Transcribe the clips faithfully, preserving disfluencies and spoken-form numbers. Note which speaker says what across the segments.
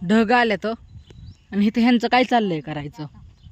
Speaker 1: ढग आल्या तर आणि इथे ह्यांचं काय चाललंय करायचं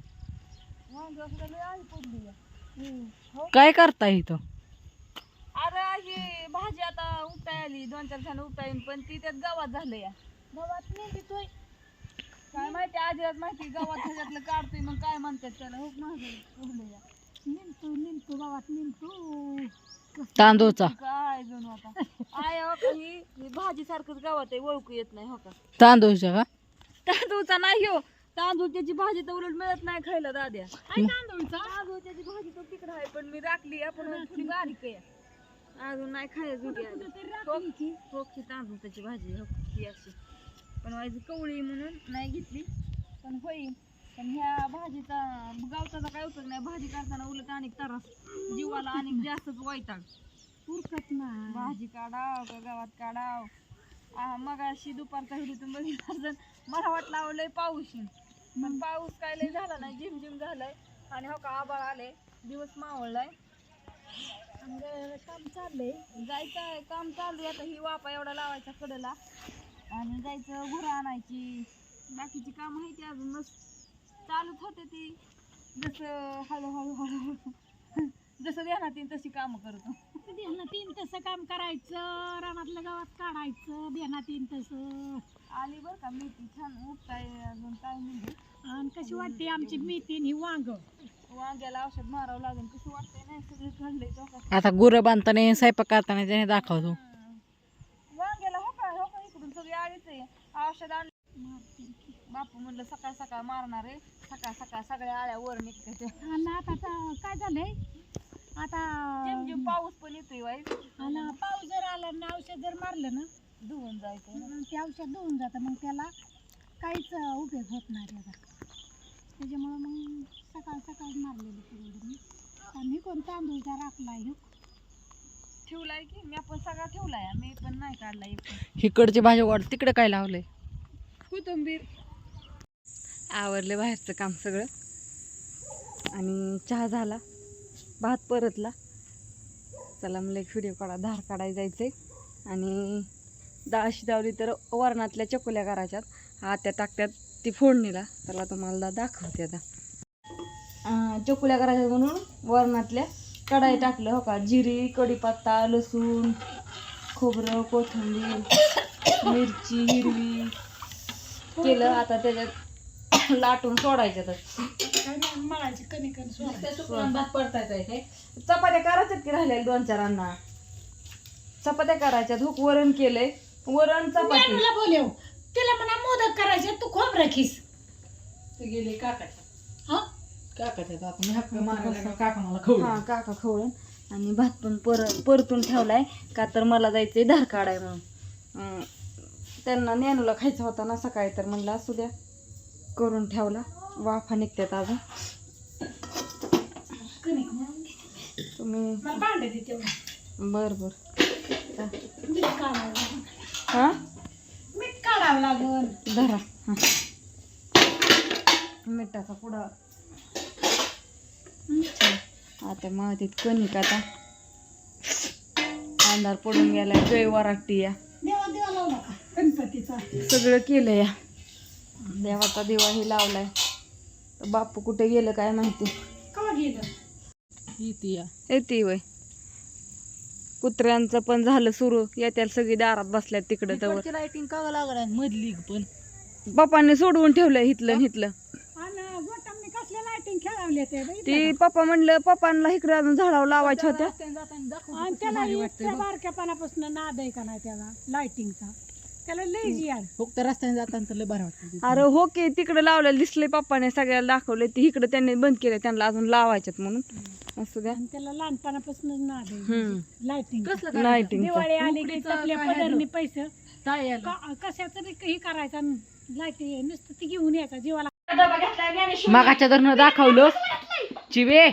Speaker 1: काय करताय इथं
Speaker 2: अरे ही भाजी आता उपटाय आली दोन चार जण उपटाईन पण ती त्यात गावात झालं या गावात नेतोय काय माहिती आजीलाच माहिती गावात ह्याच्यातलं काढतोय मग काय म्हणतात त्याला हुक माझं निमतो निमतो गावात निमतो
Speaker 1: तांदूळचा
Speaker 2: काय जणू आता आय हो का ही ही भाजी सारखंच गावात आहे ओळखू येत नाही हो का
Speaker 1: तांदूळच्या का
Speaker 2: तांदूळचा नाही हो तांदूळची भाजी तर उलट मिळत नाही खायला दाद्या तांदूळचा तांदूळची भाजी तर तिकडे आहे पण मी राखली आपण थोडी बारीक आहे अजून नाही खायची होकी तांदूळची भाजी हो ही अशी पण माझी कवळी म्हणून नाही घेतली पण होईल पण ह्या भाजीचा गावचा काय उपयोग नाही भाजी करताना उलट अनेक त्रास जीवाला अनेक जास्तच वैताग उरकत नाही भाजी काढाव का गावात काढाव मग अशी दुपारचा हिरीतून बघितलं मला वाटलं आवडलंय पाऊस येईल पण पाऊस काय लय झाला नाही झिम झिम झालाय आणि हो का आबाळ आले दिवस मावळलाय काम चाललंय जायचं काम चालू आता ही वापा एवढा लावायचा कडेला आणि जायचं घुरं आणायची बाकीची काम आहे ती अजून मस्त चालूच होते ती जसं हळूहळू हळूहळू जसं ध्यानात येईल तशी कामं करतो ध्यानात येईल तसं काम करायचं रानातल्या गावात काढायचं ध्यानात येईल तसं आली बरं का मेथी छान उठताय अजून काय म्हणजे आणि कशी वाटते आमची मेथी ही वांग वांग्याला औषध मारावं लागेल कसं वाटतंय नाही सगळी खाल्लंय
Speaker 1: आता गुरं बांधताना स्वयंपाक करताना त्याने दाखवतो
Speaker 2: वांग्याला हो का हो का इकडून सगळी आळीच आहे औषध आणलं बापू म्हणलं सकाळ सकाळ मारणार आहे सकाळ सकाळ सगळ्या आळ्या वर निघते आता काय झालंय आता जेम जेम पाऊस पण येतोय वाईट आणि पाऊस जर आला ना औषध जर मारलं ना धुवून जायचं ते औषध धुवून जातं मग त्याला काहीच उपयोग होत नाही त्याचा त्याच्यामुळं मग सकाळ सकाळ मारलेलं परवडून आणि कोण तांदूळचा राखलाय ठेवलाय की मी आपण सगळा ठेवलाय मी पण नाही काढलाय
Speaker 1: इकडची भाजी वाढ तिकडे काय लावलंय
Speaker 2: कोथिंबीर
Speaker 1: आवरले बाहेरचं काम सगळं आणि चहा झाला भात परतला चला मला एक व्हिडिओ काढा धार काढायला जायचंय आणि डाळ शिजवली तर वरणातल्या चकोल्या करायच्यात आत्या टाकत्यात ती फोडणीला त्याला तुम्हाला दाखवते आता चकोल्या करायच्यात म्हणून वरणातल्या कढाई टाकलं हो का जिरी कढीपत्ता लसूण खोबरं कोथिंबीर मिरची हिरवी केलं आता त्याच्यात लाटून सोडायच्यात
Speaker 2: मळायची कणिक
Speaker 1: भात परतायचा आहे काय चपात्या करायच्यात की राहिल्या दोन चार अण्णा चपात्या करायच्यात हुक वरण केलंय वरण चपाती
Speaker 2: बोलव तिला म्हणा मोदक करायचे तू खोब राखीस
Speaker 1: तू गेले काकाच्या
Speaker 2: हा
Speaker 1: काकाच्या आपण हक्क मारायला काका मला खवळ
Speaker 2: हा काका खवळून आणि भात पण पर परतून ठेवलाय का तर मला जायचंय धार काढाय म्हणून त्यांना नेनूला खायचा होता ना सकाळी तर म्हणलं असू द्या करून ठेवला वाफा निघतात अजून तुम्ही बर बर हा मीठ काढावं लागल धरा हा मिठाचा पुडा आता मातीत कणिक आता अंधार पडून गेलाय जय वराटी या सगळं केलं या देवाचा दिवा हे लावलाय तर बापू कुठे गेलं काय माहिती येते वय कुत्र्यांचं पण झालं सुरू येत्या सगळी दारात बसल्यात तिकडं तर
Speaker 1: लाइटिंग का लागलाय मधली पण
Speaker 2: बापांनी सोडवून ठेवलंय हिथलं हिथलं ती पप्पा म्हणलं पप्पांना इकडे अजून झाडावर लावायच्या होत्या
Speaker 3: बारक्यापणापासून नाद आहे का नाही त्याला लाइटिंगचा त्याला लई यार
Speaker 1: फक्त रस्त्याने जाताना लय बरं वाटतं
Speaker 2: अरे हो की तिकडे लावलेलं दिसले पप्पाने सगळ्याला दाखवले ती इकडे त्यांनी बंद केले त्यांना अजून लावायच्यात म्हणून असू द्या
Speaker 3: त्याला लहानपणापासून नाद आहे लाइटिंग
Speaker 2: लाइटिंग
Speaker 3: दिवाळी आली की आपल्या पदरनी पैसे कशाच हे करायचं लाइटिंग नुसतं ती घेऊन यायचा जीवाला
Speaker 1: मागाच्या धरणं दाखवलं चिवे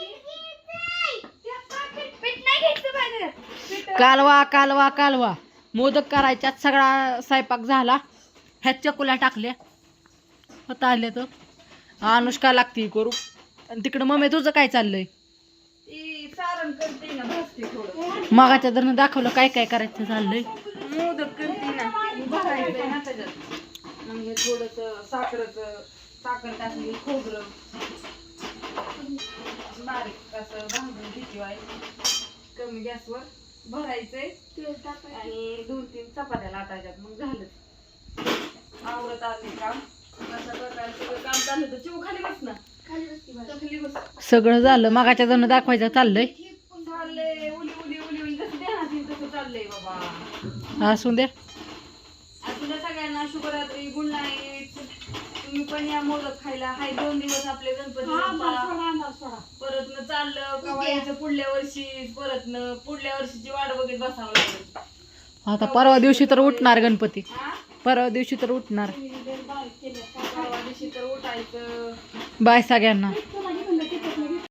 Speaker 1: कालवा कालवा कालवा मोदक करायच्यात सगळा स्वयंपाक झाला ह्यात चकुल्या टाकल्या होता आल्या तर अनुष्का लागती करू आणि तिकडं मम्मी तुझं काय चाललंय मागाच्या धरणं दाखवलं काय काय करायचं चाललंय
Speaker 2: मोदक करते ना भरायचंय ना त्याच्यात मग
Speaker 1: हे थोडंसं साखरेचं साखर टाकली खोबरं बारीक असं भाजून घेतली आहे कमी गॅसवर भरायचंय आणि दोन तीन चपात्या लाटायच्यात मग झालं आवरत आले काम अशा प्रकारे सगळं काम चाललं तर चिव खाली बस ना खाली बस की बाई. खाली बस
Speaker 3: सगळं झालं मगाच्या जण दाखवायचं चाललंय
Speaker 1: चाललंय उली उली उली उली कसं देणार तसं चाललंय बाबा
Speaker 3: असू द्या
Speaker 1: तुला सगळ्यांना शुभरात्री गुड नाईट तुम्ही पण या मोदक खायला हाय दोन दिवस आपले गणपती बाप्पा. परत न चाललं कवा यायचं पुढल्या वर्षी परत न पुढल्या वर्षीची वाट बघत बसावं लागेल
Speaker 3: आता परवा दिवशी तर उठणार गणपती
Speaker 1: हा?
Speaker 3: परवा दिवशी तर उठणार
Speaker 1: परवा दिवशी तर उठायचं
Speaker 3: बाय सगळ्यांना